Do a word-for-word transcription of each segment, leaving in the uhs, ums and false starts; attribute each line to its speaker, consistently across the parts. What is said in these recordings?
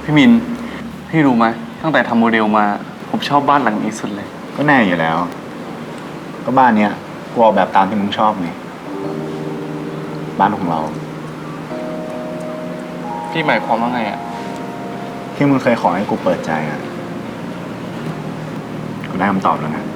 Speaker 1: พี่มินพี่รู้ไหมตั้งแต่ทำโมเดลมาผมชอบบ้านหลังนี้สุดเลย
Speaker 2: ก็แน่อยู่แล้วก็บ้านเนี้ยกูออกแบบตามที่มึงชอบไงบ้านของเรา
Speaker 1: พี่หมายความว่าไงอ่ะ
Speaker 2: ที่มึงเคยขอให้กูเปิดใจอ่ะกูได้คำตอบแล้วนะ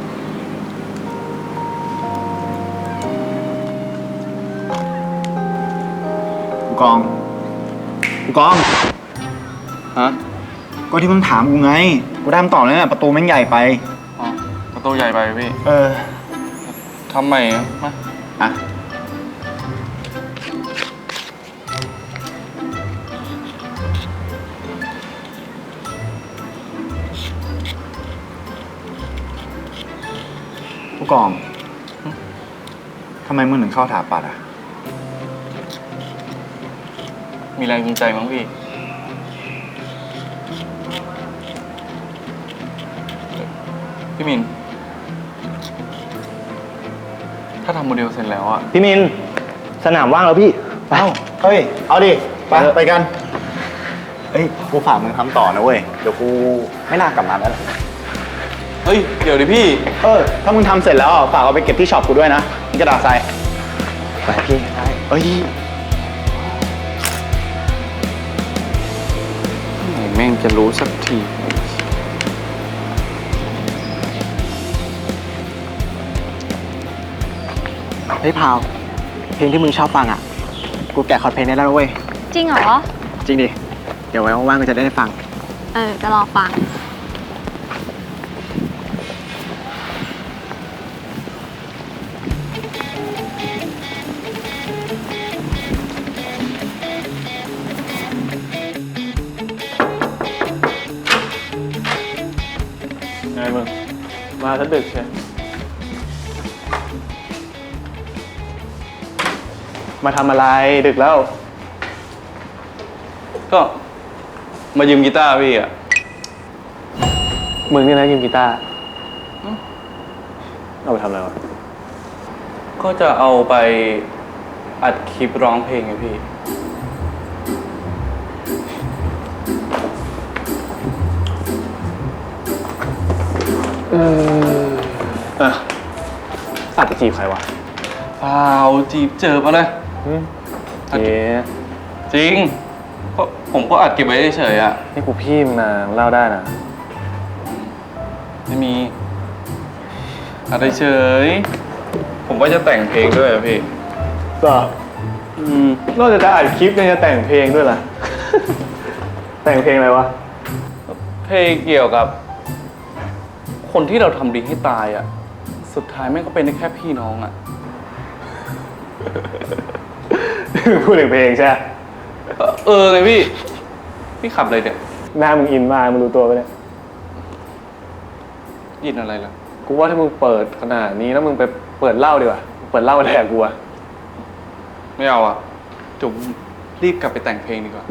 Speaker 2: กูกองกูกอง
Speaker 1: ฮะ
Speaker 2: ก็ที่มึงถามกูไงกูได้คำตอบแล้วเนี่ยประตูแม่งใหญ่ไป
Speaker 1: อ๋อประตูใหญ่ไปพี่
Speaker 2: เออ
Speaker 1: ทำไมมา
Speaker 2: อ่ะผู้กองทำไมมึงถึงเข้าถาปัดอ่ะ
Speaker 1: มีแรงจูงใจมั้งพี่พี่มินถ้าทำโมเดลเสร็จแล้วอ่ะ
Speaker 3: พี่มินสนามว่างแล้วพี่
Speaker 2: เอ้าเฮ้ยเอาดิไปไปกันเฮ้ยกูฝากมึงทำต่อนะเว้ยเดี๋ยวกูไม่น่ากลับมาแล้ว
Speaker 1: เฮ้ยเดี๋ยวดิพี่
Speaker 2: เออถ้ามึงทำเสร็จแล้วฝากเอาไปเก็บที่ช็อปกูด้วยนะนี่กระดาษทราย
Speaker 3: ไปพี่ได้
Speaker 2: เอ้ย
Speaker 1: แม่งจะรู้สักที
Speaker 3: เฮ้ยพาวเพลงที่มึงชอบฟังอ่ะกูแกะคอร์ดเพลงได้แล้วเว้ย
Speaker 4: จริงเหรอ
Speaker 3: จริงดิเดี๋ยวไว้ว่างๆกูจะได้ฟัง
Speaker 4: เออจะรอฟัง
Speaker 1: ไงมึงมาซะดึกใช่
Speaker 3: มาทำอะไรดึกแล้ว
Speaker 1: ก็มายืมกีตาร์พี่อ่ะ
Speaker 3: มึงนี่นะยืมกีตาร์เอาไปทำอะไรวะ
Speaker 1: ก็จะเอาไปอัดคลิปร้องเพลงไงพี่
Speaker 3: เออเอออัดไปจีบใครวะ
Speaker 1: เปล่าจีบเจอมาเลย
Speaker 3: เจ๊
Speaker 1: จริงก็ผมก็อัดเก็บไว้เฉยๆอ่ะ
Speaker 3: นี่กูพี่มึงนะเล่าได้นะ
Speaker 1: ไม่มีอัดเฉยผมก็จะแต่งเพลงด้วยอะพี่
Speaker 3: ก็อืมนอกจากจะอัดคลิปยังจะแต่งเพลงด้วยล่ะ แต่งเพลงอะไรวะ
Speaker 1: เพลงเกี่ยวกับคนที่เราทำดีให้ตายอ่ะสุดท้ายแม่งก็เป็นได้แค่พี่น้องอ่ะ
Speaker 3: พูดถึงเพลงใช่ไหม
Speaker 1: เออไงพี่พี่ขับอะไรเนี่ย
Speaker 3: หน้ามึงอินมากมึงรู้ตัวปะเนี่ย
Speaker 1: อินอะไรล่ะ
Speaker 3: กูว่าถ้ามึงเปิดขนาดนี้แล้วมึงไปเปิดเหล้าดีกว่าเปิดเหล้าแทนกูอะ
Speaker 1: ไม่เอาอ่ะจุ๋มรีบกลับไปแต่งเพลงดีกว่า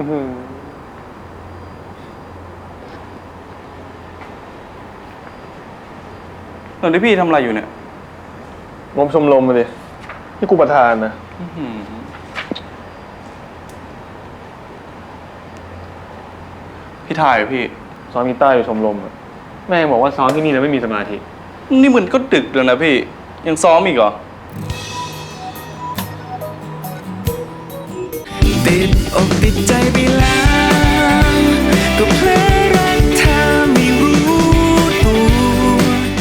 Speaker 1: ตอนที่พี่ทำอะไรอยู่เนี่ย
Speaker 3: งมชมรมมาดินี่กูประธานนะ
Speaker 1: พี่ถ่ายพี่
Speaker 3: ซ้อมกีตาร์อยู่ชมรมอะแม่บอกว่าซ้อมที่นี่แล้วไม่มีสมาธิ
Speaker 1: นี่มันก็ดึกแล้วนะพี่ยังซ้อมอีกเหรอ
Speaker 5: ติดอกติดใจไปแล้ว